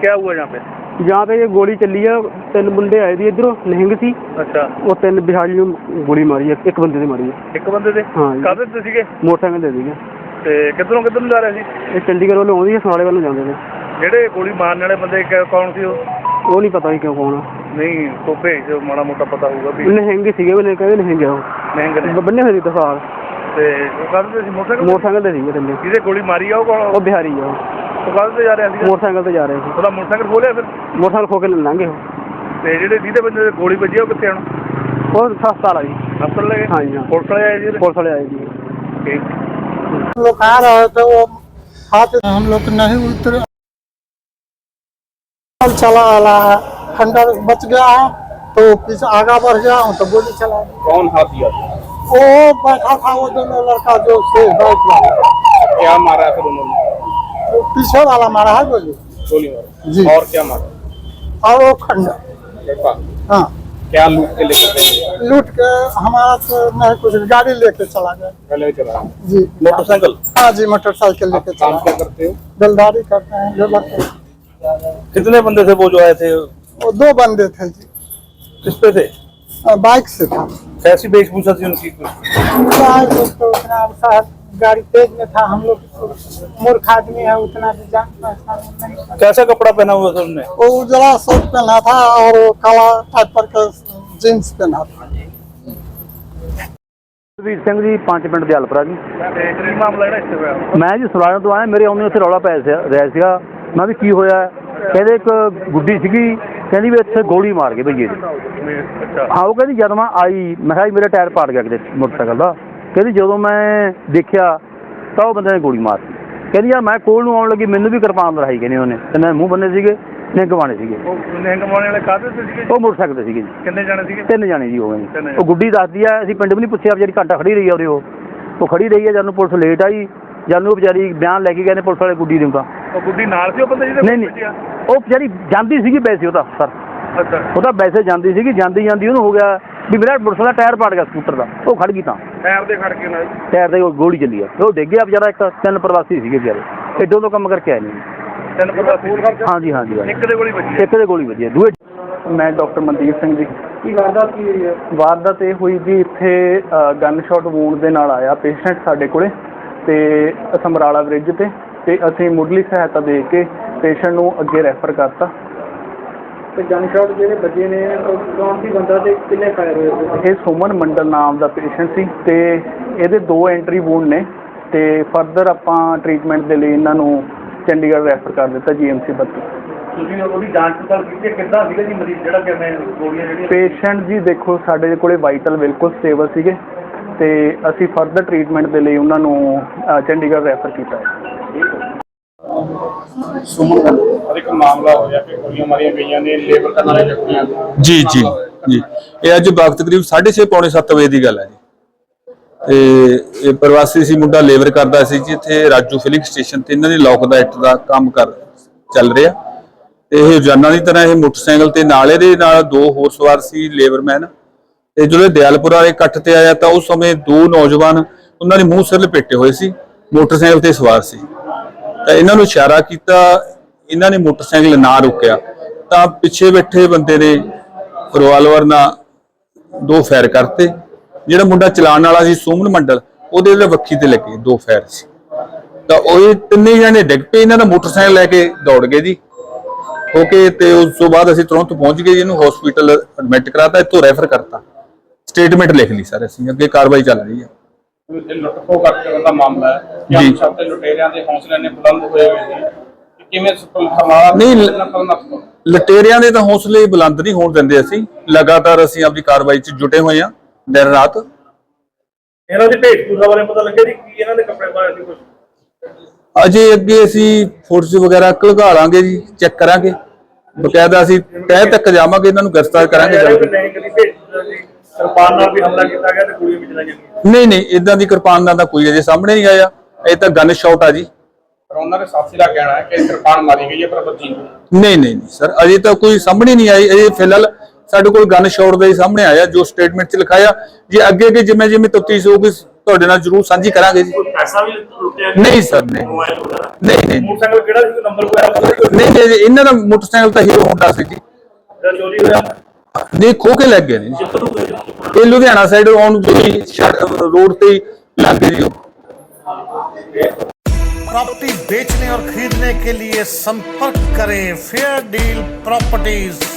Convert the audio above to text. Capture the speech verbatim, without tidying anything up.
क्या हुआ यहाँ पे? यहाँ पे ये गोली चली है, तीन मुंडे आए थे इधरों निहंग सी। अच्छा। वो तीन बिहारी ने गोली मारी है, एक बंदे ने मारी है। एक बंदे थे? हाँ। काहदे ते सीगे? मोटरसाइकिल दे दी ते किधरों किधर जा रहे थे? ये चंडीगढ़ वालों आउंदी है, समाले वालों जाते थे। ਜਿਹੜੇ ਗੋਲੀ ਮਾਰਨ ਵਾਲੇ ਬੰਦੇ ਕੌਣ ਸੀ ਉਹ? ਉਹ नहीं पता ही क्यों कौन नहीं तो भेज जो माड़ा मोटा पता होगा भी। निहंग सीगे, ਉਹਨੇ ਕਹਿੰਦੇ ਨਿਹੰਗ ਆ ਉਹ। ਨਿਹੰਗ ਨੇ ਬੰਨੇ ਹੋਏ ਸੀ ਦਸਾਰ ਤੇ ਉਹ ਕਾਹਦੇ ਤੇ ਸੀ? ਮੋਟਰਸਾਈਕਲ ਮੋਟਰਸਾਈਕਲ ਤੇ ਸੀਗੇ ਤਿੰਨੇ। ਜਿਹਦੇ ਗੋਲੀ ਮਾਰੀ ਆ ਉਹ ਕੌਣ? ਉਹ ਬਿਹਾਰੀ ਆ ਉਹ। ਉਹ ਕਾਹਦੇ ਤੇ ਜਾ ਰਿਹਾ ਸੀ? ਮੋਟਰਸਾਈਕਲ ਤੇ ਜਾ ਰਹੇ ਸੀ। ਉਹਦਾ ਮੋਟਰਸਾਈਕਲ ਖੋਲਿਆ ਫਿਰ? ਮੋਟਰਸਾਈਕਲ ਖੋ ਕੇ ਲੰਘੇ ਉਹ। ਤੇ ਜਿਹੜੇ ਜਿਹਦੇ ਬੰਦੇ ਤੇ ਗੋਲੀ ਵੱਜੀ ਉਹ ਕਿੱਥੇ ਹੁਣ? ਉਹ ਹਸਪਤਾਲ ਆ ਜੀ। ਹਸਪਤਾਲ ਲੈ ਗਏ? हाँ जी हाँ। पुलिस वाले आए जी? पुलिस वाले आए जी। ठीक। हम लोग आ रहे थे, वो हाथ हम लोग नहीं उतरे, चला आला है, खंडर बच गया है तो पीछे आगा बढ़ गया हूँ तो गोली चला। कौन हाथी? वो बैठा था वो दोनों लड़का जो से बाइक वाला। क्या मारा है फिर उन्होंने? वो पीछे वाला मारा है गोली। गोली मारा जी। और क्या मारा? और वो खंडर। हाँ। क्या लूट के लेके गए? लूट के हमारा तो नहीं कुछ, गाड़ी लेके चला गया। पहले चला जी। मोटरसाइकिल? हाँ जी, मोटरसाइकिल लेके काम चला। क्या करते हो? बेलदारी करते हैं, लेबर करते हैं। कितने बंदे थे वो जो आए थे? वो दो बंदे थे जी। किस पे थे? बाइक से था। कैसी वेशभूषा थी उनकी? बाइक तो उतना साहब गाड़ी तेज में था, हम लोग मूर्ख आदमी है, उतना भी जान पहचान नहीं। कैसा कपड़ा पहना हुआ था उन्होंने? वो उजला शर्ट पहना था और वो काला टाइप पर का जींस पहना था। ਵੀਰ ਸਿੰਘ ਜੀ, ਪੰਜ ਪਿੰਡ ਦੇ ਹਲਪਰਾ ਜੀ। ਕੀ ਮਾਮਲਾ ਜਿਹੜਾ ਇੱਥੇ ਹੋਇਆ? ਮੈਂ ਜੀ ਸੁਲਾਣਾ ਤੋਂ ਆਇਆ, ਮੇਰੇ ਆਉਂਦੇ ਉੱਥੇ ਰੌਲਾ ਪੈ ਰਿਹਾ ਸੀਗਾ। ਮੈਂ ਵੀ ਕੀ ਹੋਇਆ? ਕਹਿੰਦੇ ਇੱਕ ਗੁੱਡੀ ਸੀਗੀ, ਕਹਿੰਦੀ ਵੀ ਇੱਥੇ ਗੋਲੀ ਮਾਰ ਗਏ ਭਈਏ ਦੀ। ਹਾਂ, ਉਹ ਕਹਿੰਦੀ ਜਦ ਮੈਂ ਆਈ ਮੈਂ ਕਿਹਾ ਮੇਰਾ ਟਾਇਰ ਪਾੜ ਗਿਆ ਕਿਤੇ ਮੋਟਰਸਾਈਕਲ ਦਾ। ਕਹਿੰਦੀ ਜਦੋਂ ਮੈਂ ਦੇਖਿਆ ਤਾਂ ਉਹ ਬੰਦੇ ਨੇ ਗੋਲੀ ਮਾਰਤੀ। ਕਹਿੰਦੀ ਯਾਰ ਮੈਂ ਕੋਲ ਨੂੰ ਆਉਣ ਲੱਗੀ, ਮੈਨੂੰ ਵੀ ਕਿਰਪਾਨ ਲੜਾਈ ਕਹਿੰਦੇ ਉਹਨੇ, ਤੇ ਮੈਂ ਮੂੰਹ ਬੰਨੇ ਸੀਗੇ, ਨਿਹੰਗ ਗਵਾਣੇ ਸੀਗੇ। ਉਹ ਨਿਹੰਗ ਗਵਾਣੇ ਵਾਲੇ ਕਾਹਦੇ ਤੇ ਸੀਗੇ? ਉਹ ਮੋਟਰਸਾਈਕਲ ਤੇ ਸੀਗੇ ਜੀ। ਕਿੰਨੇ ਜਾਣੇ ਸੀਗੇ? ਤਿੰਨ ਜਾਣੇ ਜੀ ਹੋ ਗਏ ਜੀ। ਉਹ ਗੁੱਡੀ ਦੱਸਦੀ ਆ, ਅਸੀਂ ਪਿੰਡ ਵੀ ਨਹੀਂ ਪੁੱਛਿਆ, ਵਿਚਾਰੀ ਘੰਟਾ ਖੜੀ ਰਹੀ ਆ ਉਰੇ। ਉਹ ਉਹ ਖੜੀ ਰਹੀ ਆ, ਜਦ ਨੂੰ ਪੁਲਿਸ ਲੇਟ ਆਈ, ਜਦ ਨੂੰ ਵਿਚਾਰੀ ਬਿਆਨ ਲੈ ਕੇ ਗਏ ਨੇ ਪੁਲਿਸ ਵਾਲੇ ਗੁੱਡੀ ਦਿੰਦਾ। ਉਹ ਗੁੱਡੀ ਨਾਲ ਸੀ ਉਹ ਬੰਦੇ ਜਿਹਦੇ? ਨਹੀਂ ਨਹੀਂ, ਉਹ ਵਿਚਾਰੀ ਜਾਂਦੀ ਸੀਗੀ ਵੈਸੇ, ਉਹਦਾ ਸਰ ਅੱਛਾ, ਉਹ ਤਾਂ ਵੈਸੇ ਜਾਂਦੀ ਸੀਗੀ। ਜਾਂਦੀ ਜਾਂਦੀ ਉਹਨੂੰ ਹੋ ਗਿਆ ਵੀ ਮੇਰਾ ਮੋਟਰਸਾਈਕਲ ਦਾ ਟਾਇਰ ਪਾੜ ਗਿਆ ਸਕੂਟਰ ਦਾ। ਉਹ ਖੜ ਗਈ, ਤਾਂ ਟਾਇਰ ਦੇ ਖੜ ਕੇ ਨਾਲ ਟਾਇਰ ਦੇ ਗੋਲੀ ਚੱਲੀ ਆ। ਉਹ ਡਿੱਗ ਗਿਆ ਵਿਚਾਰਾ। ਇੱਕ ਤਿੰਨ ਪ੍ਰਵਾਸੀ ਸੀਗੇ ਵਿਚਾਰੇ, ਏਡੋਂ ਤੋਂ ਕੰਮ ਕਰਕੇ ਆਏ ਨੇ। ਤਿੰਨ ਪ੍ਰਵਾਸੀ? ਹਾਂਜੀ ਹਾਂਜੀ। ਇੱਕ ਦੇ ਗੋਲੀ ਵੱਜੀ? ਇੱਕ ਦੇ ਗੋਲੀ ਵੱਜੀ। ਦੂਏ ਮੈਂ ਡਾਕਟਰ ਮਨਦੀਪ ਸਿੰਘ ਜੀ। ਕੀ ਵਾਰਦਾਤ ਕੀ ਹੋਈ ਹੈ? ਵਾਰਦਾਤ ਇਹ ਹੋਈ ਜੀ, ਇੱਥੇ ਗਨ ਸ਼ਾਟ ਵੂੰਡ ਦੇ ਨਾਲ ਆਇਆ ਪੇਸ਼ੈਂਟ ਸਾਡੇ ਕੋਲੇ, ਤੇ ਸਮਰਾਲਾ ਬ੍ਰਿਜ ਤੇ ਤੇ ਅਸੀਂ ਮੁੱਢਲੀ ਸਹਾਇਤਾ ਦੇ ਕੇ ਪੇਸ਼ੈਂਟ ਨੂੰ ਅੱਗੇ ਰੈਫਰ ਕਰਤਾ। ਤੇ ਗਨ ਸ਼ਾਟ ਜਿਹੜੇ ਵੱਜੇ ਨੇ ਕੌਣ ਸੀ ਬੰਦਾ ਤੇ ਕਿੰਨੇ ਫਾਇਰ ਹੋਏ? ਇਹ ਸੁਮਨ ਮੰਡਲ ਨਾਮ ਦਾ ਪੇਸ਼ੈਂਟ ਸੀ, ਤੇ ਇਹਦੇ ਦੋ ਐਂਟਰੀ ਵੂੰਡ ਨੇ, ਤੇ ਫਰਦਰ ਆਪਾਂ ਟ੍ਰੀਟਮੈਂਟ ਦੇ ਲਈ ਇਹਨਾਂ ਨੂੰ ਚੰਡੀਗੜ੍ਹ ਰੈਫਰ ਕਰ ਦਿੱਤਾ ਜੀ ਐਮ ਸੀ ਬੱਤੀ। ਤੁਸੀਂ ਉਹਦੀ ਜਾਂਚ ਪੜਤਾਲ ਕੀਤੀ? ਕਿੱਦਾਂ ਸੀਗਾ ਜੀ ਮਰੀਜ਼ ਜਿਹੜਾ ਕਿਵੇਂ ਗੋਲੀਆਂ ਜਿਹੜੀਆਂ? ਪੇਸ਼ੈਂਟ ਜੀ ਦੇਖੋ ਸਾਡੇ ਕੋਲੇ ਵਾਈਟਲ ਬਿਲਕੁਲ ਸਟੇਬਲ ਸੀਗੇ, ਤੇ ਅਸੀਂ ਫਰਦਰ ਟ੍ਰੀਟਮੈਂਟ ਦੇ ਲਈ ਉਹਨਾਂ ਨੂੰ ਚੰਡੀਗੜ੍ਹ ਰੈਫਰ ਕੀਤਾ ਹੈ। ਸੁਮਨ ਇੱਕ ਮਾਮਲਾ ਹੋਇਆ ਕਿ ਗੋਲੀਆਂ ਮਾਰੀਆਂ ਗਈਆਂ ਨੇ ਲੇਬਰ ਕਰਨ ਵਾਲੇ ਜ਼ਖਮੀਆਂ। ਜੀ ਜੀ ਜੀ ਇਹ ਅੱਜ ਵਕਤ ਤਕਰੀਬ ਸਾਢੇ ਛੇ ਪੌਣੇ ਸੱਤ ਵਜੇ ਦੀ ਗੱਲ ਹੈ ਜੀ। ਤੇ ਇਹ ਪ੍ਰਵਾਸੀ ਸੀ ਮੁੰਡਾ, ਲੇਬਰ ਕਰਦਾ ਸੀ ਜੀ ਇੱਥੇ ਰਾਜੂ ਫਿਲਿੰਗ ਸਟੇਸ਼ਨ ਤੇ। ਇਹਨਾਂ ਦੀ ਲੋਕ ਦਾ ਇੱਟ ਦਾ ਕੰਮ ਕਰ ਚੱਲ ਰਿਹਾ, ਤੇ ਇਹ ਰੋਜ਼ਾਨਾ ਦੀ ਤਰ੍ਹਾਂ ਇਹ ਮੋਟਰਸਾਈਕਲ ਤੇ ਨਾਲ ਇਹਦੇ ਨਾਲ ਦੋ ਹੋਰ ਸਵਾਰ ਸੀ ਲੇਬਰਮੈਨ। ਤੇ ਜਦੋਂ ਦਿਆਲਪੁਰ ਵਾਲੇ ਇਕੱਠ ਤੇ ਆਇਆ ਤਾਂ ਉਸ ਸਮੇਂ ਦੋ ਨੌਜਵਾਨ ਉਹਨਾਂ ਨੇ ਮੂੰਹ ਸਿਰ ਲਪੇਟੇ ਹੋਏ ਸੀ, ਮੋਟਰਸਾਈਕਲ ਤੇ ਸਵਾਰ ਸੀ। ਤਾਂ ਇਹਨਾਂ ਨੂੰ ਇਸ਼ਾਰਾ ਕੀਤਾ, ਇਹਨਾਂ ਨੇ ਮੋਟਰਸਾਈਕਲ ਨਾ ਰੋਕਿਆ ਤਾਂ ਪਿੱਛੇ ਬੈਠੇ ਬੰਦੇ ਨੇ ਰਿਵਾਲਵਰ ਨਾਲ ਦੋ ਫਾਇਰ ਕਰਤੇ। ਜਿਹੜਾ ਮੁੰਡਾ ਚਲਾਉਣ ਵਾਲਾ ਸੀ ਸੁਮਨ ਮੰਡਲ, ਉਹਦੇ ਤੇ ਵੱਖੀ ਤੇ ਲੱਗੇ ਦੋ ਫਾਇਰ ਸੀ। ਤਾਂ ਉਹ ਤਿੰਨੇ ਜਣੇ ਡਿੱਗ ਪਏ, ਇਹਨਾਂ ਦਾ ਮੋਟਰਸਾਈਕਲ ਲੈ ਕੇ ਦੌੜ ਗਏ ਜੀ ਹੋ ਕੇ। ਤੇ ਉਸ ਤੋਂ ਬਾਅਦ ਅਸੀਂ ਤੁਰੰਤ ਪਹੁੰਚ ਗਏ, ਇਹਨੂੰ ਹਸਪੀਟਲ ਐਡਮਿਟ ਕਰਾਤਾ, ਇੱਥੋਂ ਰੈਫਰ ਕਰਤਾ, ਸਟੇਟਮੈਂਟ ਲਿਖ ਲਈ ਸਰ। ਅਸੀਂ ਅੱਗੇ ਕਾਰਵਾਈ ਚੱਲ ਰਹੀ ਹੈ। ਲੁੱਟ ਖੋਹ ਕਰਕੇ ਦਾ ਮਾਮਲਾ ਹੈ ਜੀ। ਸਭ ਤੇ ਲੁਟੇਰਿਆਂ ਦੇ ਹੌਸਲੇ ਨੇ ਬੁਲੰਦ ਹੋਏ ਹੋਏ ਨੇ, ਕਿਵੇਂ ਸਮਾਲਾ ਨਹੀਂ, ਲੁਟੇਰਿਆਂ ਦੇ ਤਾਂ ਹੌਸਲੇ ਬੁਲੰਦ ਨਹੀਂ ਹੋਣ ਦਿੰਦੇ। ਅਸੀਂ ਲਗਾਤਾਰ ਅਸੀਂ ਆਪਣੀ ਕਾਰਵਾਈ 'ਚ ਜੁਟੇ ਹੋਏ ਹਾਂ ਦਿਨ ਰਾਤ। ਇਹਨਾਂ ਦੀ ਭੇਟਪੂਰਾ ਬਾਰੇ ਪਤਾ ਲੱਗਿਆ ਜੀ ਕੀ ਇਹਨਾਂ ਦੇ ਕੱਪੜੇ ਪਾਏ ਸੀ ਕੁਝ? ਅਜੇ ਅੱਗੇ ਅਸੀਂ ਫੋਟੋਸ ਵਗੈਰਾ ਘਲਗਾ ਲਾਂਗੇ ਜੀ, ਚੈੱਕ ਕਰਾਂਗੇ ਬਕਾਇਦਾ। ਅਸੀਂ ਤਹਿ ਤੱਕ ਜਾਵਾਂਗੇ, ਇਹਨਾਂ ਨੂੰ ਗ੍ਰਿਫਤਾਰ ਕਰਾਂਗੇ। ਕਿਰਪਾਨ ਨਾਲ ਵੀ ਹਮਲਾ ਕੀਤਾ ਗਿਆ ਤੇ ਗੋਲੀਆਂ ਵੀ ਚਲਾਈਆਂ ਗਈਆਂ? ਨਹੀਂ ਨਹੀਂ, ਇਦਾਂ ਦੀ ਕਿਰਪਾਨ ਦਾ ਤਾਂ ਕੋਈ ਅਜੇ ਸਾਹਮਣੇ ਨਹੀਂ ਆਇਆ। ਇਹ ਤਾਂ ਗਨ ਸ਼ਾਟ ਆ ਜੀ। ਪਰ ਉਹਨਾਂ ਦੇ ਸਾਥੀ ਦਾ ਕਹਿਣਾ ਹੈ ਕਿ ਕਿਰਪਾਨ ਮਾਰੀ ਗਈ ਹੈ ਪਰ ਬੱਚੀ ਨਹੀਂ ਨਹੀਂ ਨਹੀਂ ਸਰ, ਅਜੇ ਤਾਂ ਕੋਈ ਸਾਹਮਣੇ ਨਹੀਂ ਆਈ। ਅਜੇ ਫਿਲਹਾਲ ਸਾਡੇ ਕੋਲ ਗਨ ਸ਼ਾਟ ਦਾ ਹੀ ਸਾਹਮਣੇ ਆਇਆ ਜੋ ਸਟੇਟਮੈਂਟ 'ਚ ਲਿਖਾਇਆ। ਜੇ ਅੱਗੇ ਅੱਗੇ ਜਿਵੇਂ ਜਿਵੇਂ ਤਫਤੀਸ਼ ਹੋਊਗੀ ਤੁਹਾਡੇ ਨਾਲ ਜ਼ਰੂਰ ਸਾਂਝੀ ਕਰਾਂਗੇ ਜੀ। ਪੈਸਾ ਵੀ ਲੁੱਟਿਆ ਗਿਆ? ਨਹੀਂ ਸਰ, ਨਹੀਂ ਮੋਬਾਈਲ ਵਗੈਰਾ? ਨਹੀਂ ਨਹੀਂ ਮੋਟਰਸਾਈਕਲ ਕਿਹੜਾ ਸੀ, ਕੋਈ ਨੰਬਰ ਵਗੈਰਾ ਪਤਾ ਨਹੀਂ? ਨਹੀਂ ਨਹੀਂ, ਇਹਨਾਂ ਦਾ ਮੋਟਰਸਾਈਕਲ ਤਾਂ ਹੀਰੋ ਹੋਂਡਾ ਸੀ ਜੀ। ਜਿਹੜਾ ਚੋਰੀ ਹੋਇਆ ਨਹੀਂ, ਖੋ ਕੇ ਲੱਗ ਗਏ ਨੇ ਜੀ। ਕਿੱਥੋਂ ਕੋਈ? ਇਹ ਲੁਧਿਆਣਾ ਸਾਈਡ ਆਉਣ ਜਿਹੜੀ ਰੋਡ ਤੇ ਲੱਗ ਗਏ ਜੀ ਉਹ। प्रॉपर्टी बेचने और खरीदने के लिए संपर्क करें फेयर डील प्रॉपर्टीज।